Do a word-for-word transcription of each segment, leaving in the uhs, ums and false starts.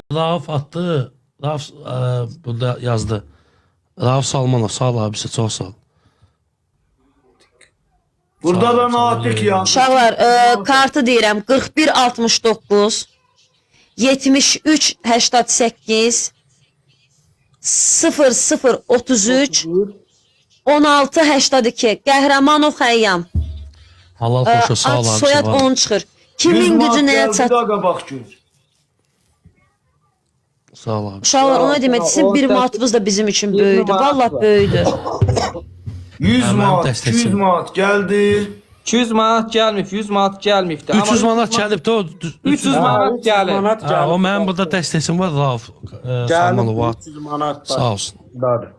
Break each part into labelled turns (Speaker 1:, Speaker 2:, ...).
Speaker 1: Rauf attı. Rauf e, burada yazdı. Rauf Salmanov sağ ol abisi, çok sağ ol.
Speaker 2: Burada da Natik ya.
Speaker 3: Uşaqlar, e, kartı deyirəm qırx bir altmış doqquz yetmiş üç səksən səkkiz sıfır sıfır otuz üç on altı səksən iki Qəhrəmanov Xəyyam.
Speaker 1: Halal
Speaker 3: E,
Speaker 1: xoşa sağ ol
Speaker 3: Ad
Speaker 1: abisi.
Speaker 3: soyad
Speaker 1: var.
Speaker 3: on çıxır. Kimin gücü nəyə çat?
Speaker 2: Daga bak gör.
Speaker 1: Sağ ol abi.
Speaker 3: Uşaqlar, ona demək istəyirəm, bir manatımız da bizim üçün böyüdür. Vallahi böyüdür.
Speaker 2: yüz
Speaker 1: Hemen
Speaker 2: manat,
Speaker 1: test
Speaker 2: iki yüz
Speaker 1: etsin.
Speaker 2: manat geldi.
Speaker 4: iki yüz manat gəlməyib, yüz manat gəlməyibdi.
Speaker 1: üç yüz manat gəlib də o.
Speaker 4: üç yüz manat gəlib.
Speaker 5: manat
Speaker 1: Ha, o
Speaker 5: gəlib.
Speaker 1: mənim burada dəstəsim var Rauf e, Salmanov var.
Speaker 5: üç yüz manat
Speaker 1: Sağ olsun.
Speaker 5: var.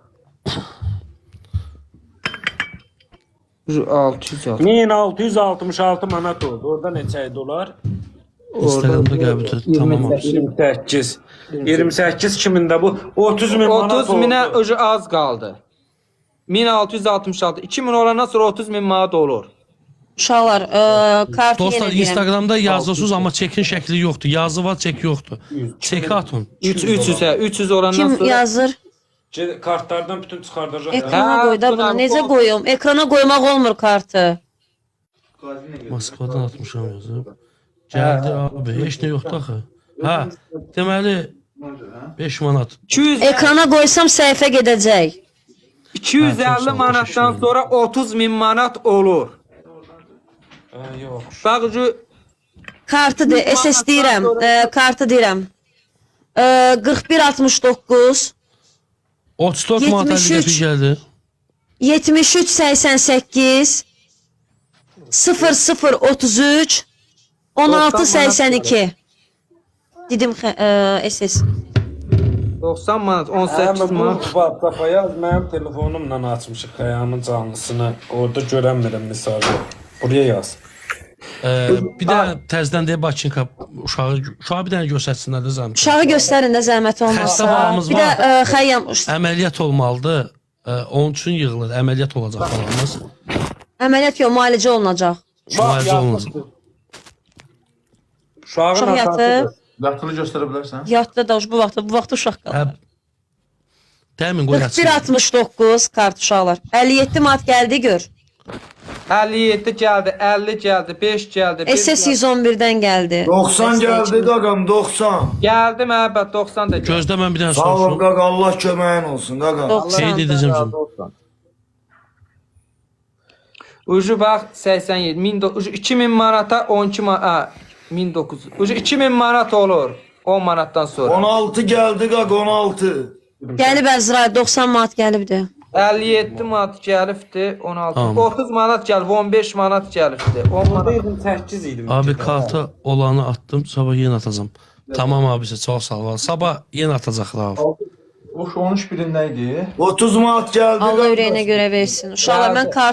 Speaker 4: altı yüz altı.
Speaker 5: min altı yüz altmış altı manat oldu. Orada neçə dolar?
Speaker 1: Instagramda gəlib tamam abi.
Speaker 5: iyirmi səkkiz. iyirmi səkkiz kimində bu? otuz min manat
Speaker 4: otuz
Speaker 5: oldu.
Speaker 4: minə öcü az qaldı. min altı yüz altmış altı. iki min olandan sonra otuz min manat olur.
Speaker 3: Uşaqlar, e, kartı
Speaker 1: Dostlar
Speaker 3: yenə deyirəm.
Speaker 1: Instagramda yazırsınız amma çekin şəkli yoxdur. Yazı var, çek yoxdur. Çeki atın.
Speaker 4: üç üç yüz hə, üç yüz olandan
Speaker 3: Kim
Speaker 4: sonra
Speaker 3: yazır?
Speaker 5: Ce- Kartlardan bütün çıxardacaq.
Speaker 3: Ekrana
Speaker 4: Ha,
Speaker 3: qoy da bunu.
Speaker 4: Turan,
Speaker 3: Necə
Speaker 4: o-
Speaker 3: qoyum? Ekrana qoymaq olmur kartı.
Speaker 1: Moskvadan atmışam yazıb. Gəldi abi, heç nə yoxdur axı. Hə, deməli beş manat.
Speaker 4: iki yüz
Speaker 3: Ekrana qoysam səhifə gedəcək.
Speaker 4: iki yüz
Speaker 1: Ha,
Speaker 4: əlli
Speaker 1: çox sağ ol,
Speaker 4: manatdan
Speaker 1: təşəkkür
Speaker 4: sonra otuz min manat olur.
Speaker 5: Yox.
Speaker 4: Bax ucu
Speaker 3: Kartı de, S S deyirəm, e, kartı deyirəm. E, qırx bir altmış doqquz
Speaker 1: otuz dörd manat
Speaker 3: yetmiş
Speaker 1: əlli
Speaker 3: üç.
Speaker 1: qəpik gəldi.
Speaker 3: yetmiş üç səksən səkkiz sıfır sıfır otuz üç on altı səksən iki. Dedim e, S S.
Speaker 4: doxsan manat, on
Speaker 5: Həmin
Speaker 4: səkkiz
Speaker 5: bu
Speaker 4: manat.
Speaker 5: WhatsApp-a yaz, mənim telefonumla açmışıq Xəyamın canlısını. Orada görənmirəm mesajı. Buraya yaz.
Speaker 1: Ee, bir də təzədən deyə Bakınka uşağı uşağı bir dənə göstərsinlər də zəhmət.
Speaker 3: Uşağı göstərin də zəhmət
Speaker 1: Xəstə
Speaker 3: olmazsa.
Speaker 1: balımız
Speaker 3: Bir də
Speaker 1: var.
Speaker 3: e, Xəyyam
Speaker 1: Əməliyyat olmalıdır. Ee, onun üçün yığılır. Əməliyyat olacaq balımız.
Speaker 3: əməliyyat yox, müalicə olunacaq.
Speaker 1: Müalicə olunacaq.
Speaker 5: Uşağın
Speaker 3: Uşaq yatıb,
Speaker 5: atasıdır.
Speaker 6: Vaxtını göstərə bilərsən?
Speaker 3: yatdı da bu vaxtda, bu vaxtda uşaq qalır.
Speaker 1: Hə. Dəmin qoy
Speaker 3: qırx bir
Speaker 1: açsın.
Speaker 3: altmış doqquz kart uşaqlar. əlli yeddi manat gəldi gör.
Speaker 4: əlli yeddi gəldi, əlli gəldi, beş gəldi. bir
Speaker 3: S S
Speaker 4: gəldi.
Speaker 3: yüz on birdən gəldi.
Speaker 2: doksan geldi dagam doksan.
Speaker 4: Gəldi məhəbbət doxsan da gəldi.
Speaker 1: Gözdə mən bir dənə
Speaker 2: Sağ ol
Speaker 1: soruşum.
Speaker 2: gaga Allah köməyin olsun gaga.
Speaker 3: doksan.
Speaker 1: Qeyd edəcəm şimdi.
Speaker 4: Ucu bax səksən yeddi, min do- ucu iki min manata on iki manat, ha, min doqquz yüz. Ucu iki min manat olur on manatdan sonra.
Speaker 2: on altı geldi gaga on altı.
Speaker 3: Gəlib Əzrail doxsan manat gəlibdi.
Speaker 4: əlli yeddi manat gəlibdi, on altı.
Speaker 1: Tamam.
Speaker 4: otuz manat gəlib, on beş manat gəlibdi. on manat.
Speaker 5: Burada yirmi səkkiz idi.
Speaker 1: Abi karta olanı attım. Sabah yenə atacağım. Tamam abisi, çox sağ ol. Sabah yenə atacaqlar.
Speaker 6: O on üç birində idi.
Speaker 2: otuz manat geldi
Speaker 3: Allah
Speaker 2: gaga.
Speaker 3: ürəyinə görə versin. Uşaqlar mən kart